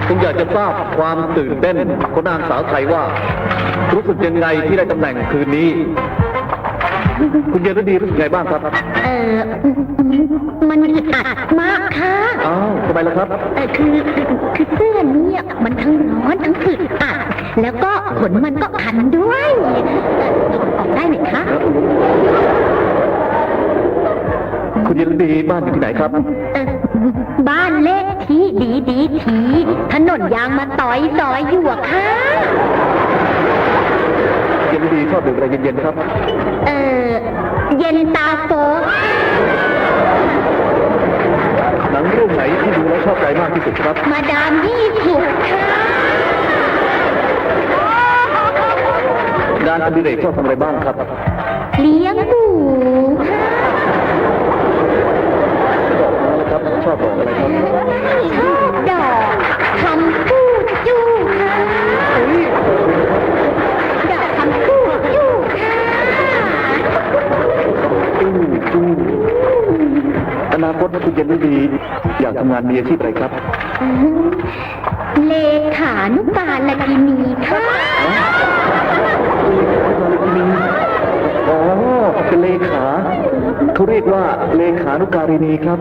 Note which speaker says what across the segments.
Speaker 1: ผมอยากจะทราบความตื่นเต้นของนางสาวไทยว่ารู้สึกยังไงที่ได้ตำแหน่งคืนนี้ คุณเย็นฤดีรู้สึกไงบ้างครับ
Speaker 2: มันอึดอัดมากค่ะ
Speaker 1: อ้าวทำไมล่ะครับ
Speaker 2: คือเสื้อเนี่ยมันทั้งร้อนทั้งอึดอัดแล้วก็ขนมันก็คันด้วยถอดออกได้ไหมคะ
Speaker 1: คุณเย็นฤดีบ้านอยู่ที่ไหนครับ
Speaker 2: บ้านเลขที่ดีทีถนนยางมาต่อยซอยอยู่อะค่ะ
Speaker 1: เย็นดีชอบดื่มอะไรเย็นๆครับ
Speaker 2: เย็นตาโฟ
Speaker 1: หนังเรื่องไหนที่ดูแล้วชอบใจมากที่สุดครับ
Speaker 2: มาดาม20ค่ะ
Speaker 1: งานอดิเรกชอบทำอะไรบ้างครับ
Speaker 2: เลี้ยงหมูค่ะ
Speaker 1: ครับชอบดอกอะไรครับ
Speaker 2: ชอบดอกคำพูดจู้ค่ะดอกคำพูดจู้ค่ะ
Speaker 1: จู้อนาคตคุณเย็นดีอยากทำงานมีอาชีพอะไรครับ
Speaker 2: เลขานุการลกินีค่ะ
Speaker 1: อ๋อเป็นเลขาเขาเรียกว่าเลขานุการินีครับ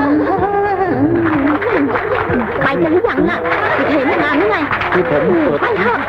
Speaker 2: ไปกันหรือยังล่ะเห็นงานหรือไง
Speaker 1: ที่ผม
Speaker 2: ไปเถอะ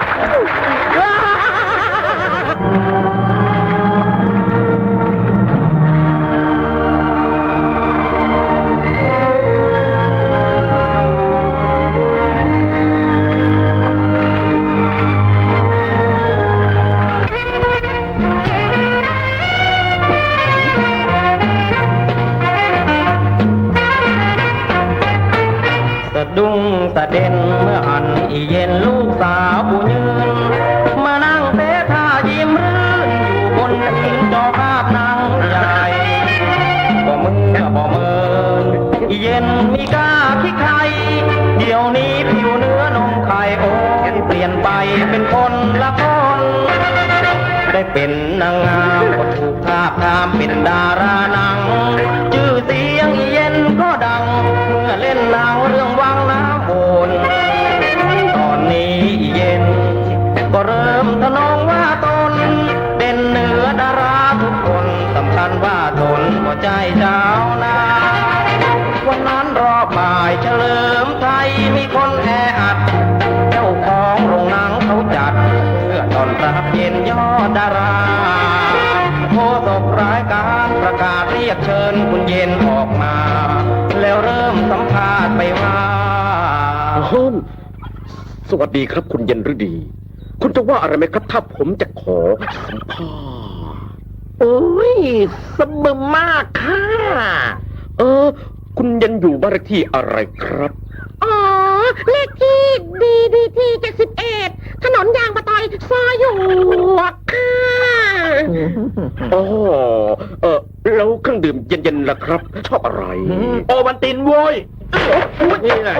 Speaker 3: ดุ้งตะเด่นเมื่ออันอีเย็นลูกสาวผู้ยืนมานั่งเตะท่ายิ้มรื่นอยู่บนหินจอภาพนางใหญ่บ่มืออีเย็นมีกล้าขี้ใครเดี๋ยวนี้ผิวเนื้อนมไข่โอนเปลี่ยนไปเป็นคนละคนได้เป็นนางงามก็ถูกทาบทามเป็นดาราหนังชื่อเสียงอีเย็นก็ดังเมื่อเล่นหนังเรื่องวังน้ำวนตอนนี้อีเย็นก็เริ่มทะนงว่าตนเด่นเหนือดาราทุกคนสำคัญว่าตนก็ใจเจ้านาวันนั้นรอบบ่ายเฉลิมไทยมีคนแออัดเจ้าของโรงหนังเขาจัดเพื่อต้อนรับเย็นยอดดาราโฆษกรายการประกาศเรียกเชิญคุณเย็นออกมาแล้วเริ่มสัมภาษณ์ไปว่า
Speaker 4: สวัสดีครับคุณเย็นฤดีคุณจะว่าอะไรไหมครับถ้าผมจะขอสัมภาษณ์โอ้ยสมบูรณ์มากค่ะคุณเย็นอยู่บ้านเลขที่อะไรครับ
Speaker 2: อ๋อเลขที่ดี71ถนนยางมะตอยซอยอยู่ค่ะ
Speaker 4: อ๋อแล้วเครื่องดื่มเย็นๆล่ะครับชอบอะไร
Speaker 3: โอวันตินโว้ยนี่แหละ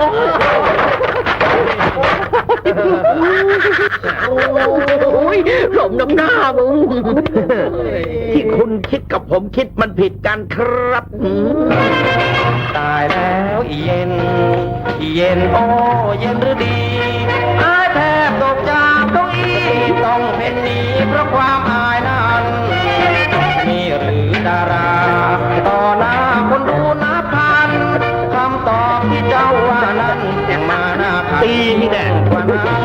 Speaker 4: โอ้ยหลมน้ำหน้ามึงที่คุณคิดกับผมคิดมันผิดกันครับ
Speaker 3: ตายแล้วอีเย็นโอ้เย็นหรือดีอายแทบตกจากเก้าอี้ต้องเป็นหนี้เพราะความอายนั้นนี่หรือดาราต่อหน้าคนดูนับพันคำตอบที่เจ้าว่านั้นยังมาหน้าพันตีนี่แน่กว่านั้น